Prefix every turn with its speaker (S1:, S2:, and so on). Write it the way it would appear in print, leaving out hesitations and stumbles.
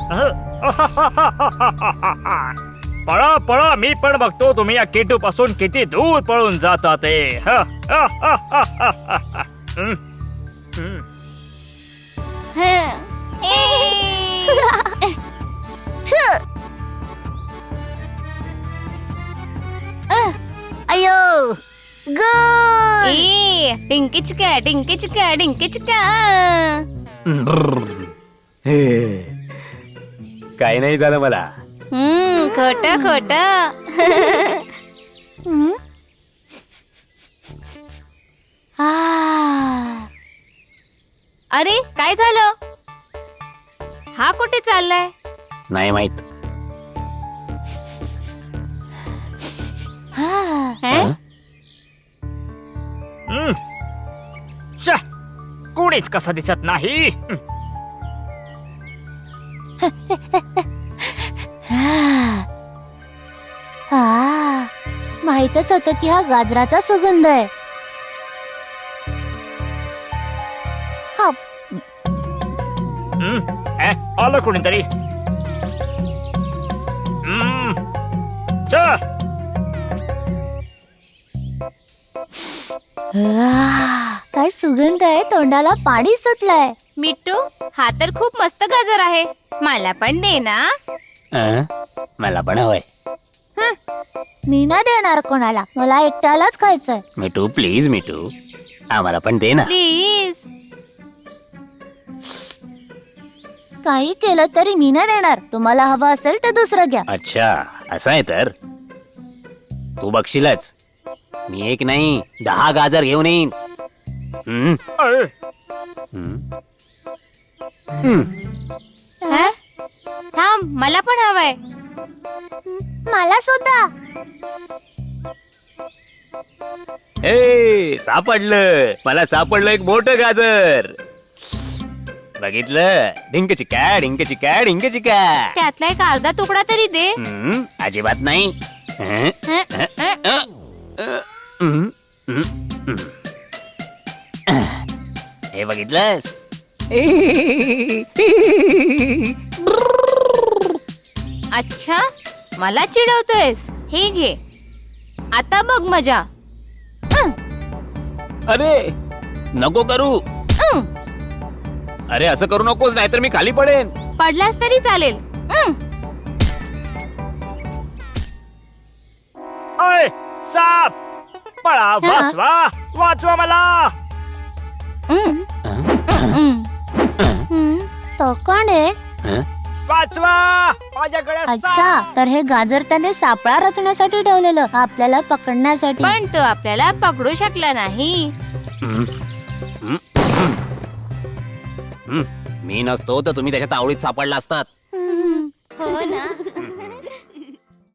S1: पळा पळा, मी पण बघतो तुम्ही या किटू पासून किती दूर पळून जाता ते.
S2: अयो गुड.
S3: डिंकी चिका डिंकी चिका डिंकी चिका.
S4: काही नाही झालं मला.
S3: खोट खोट. अरे काय झालं? हा कुठे चाललाय?
S4: नाही माहित.
S3: हं?
S1: कोणीच कसं दिसत नाही.
S2: माहितच होतं की हा गाजराचा सुगंध आहे. हा,
S1: आलं कोणीतरी.
S2: काय सुगंध आहे, तोंडाला पाणी सुटलंय.
S3: मिट्टू, हा तर खूप मस्त गाजर आहे. मला पण दे ना.
S4: मला पण हवंय.
S2: मी ना देणार कोणाला, मला एकट्यालाच खायचंय.
S4: मिठू प्लीज, मिठू आम्हाला पण दे ना.
S3: प्लीज.
S2: काही केलं तरी मी ना देणार. तुम्हाला हवं असेल तर दुसरं घ्या.
S4: अच्छा असं आहे तर तू बघशीलच. मी एक नाही 10 गाजर घेऊन येईन.
S3: थांब, मला पण हवंय.
S2: मला सुद्धा.
S4: ए सापडलं, मला सापडलं एक मोठं गाजर. बघितलं? डिंक चिका डिंक चिका डिंक चिका.
S3: त्यातला एक अर्धा तुकडा तरी दे.
S4: अजिबात नाही. हे बघितलंस?
S3: अच्छा, मला चिडवतोयस. हे घे, आता बघ मजा.
S4: अरे नको करू. अरे असं करू नकोस, नाहीतर मी खाली पडेन.
S3: पडलास तरी चालेल.
S1: अय साप, पळा, वाचवा वाचवा मला.
S2: तो कोण आहे?
S1: वाचवा, माझ्याकडे
S2: अच्छा, तर हे गाजर त्याने सापळा रचण्यासाठी ठेवलेलं, आपल्याला पकडण्यासाठी.
S3: पण तो आपल्याला पकडू शकला नाही.
S4: मी नसतो तर तुम्ही त्याच्या तावडीत सापडला असतात.
S3: हो ना.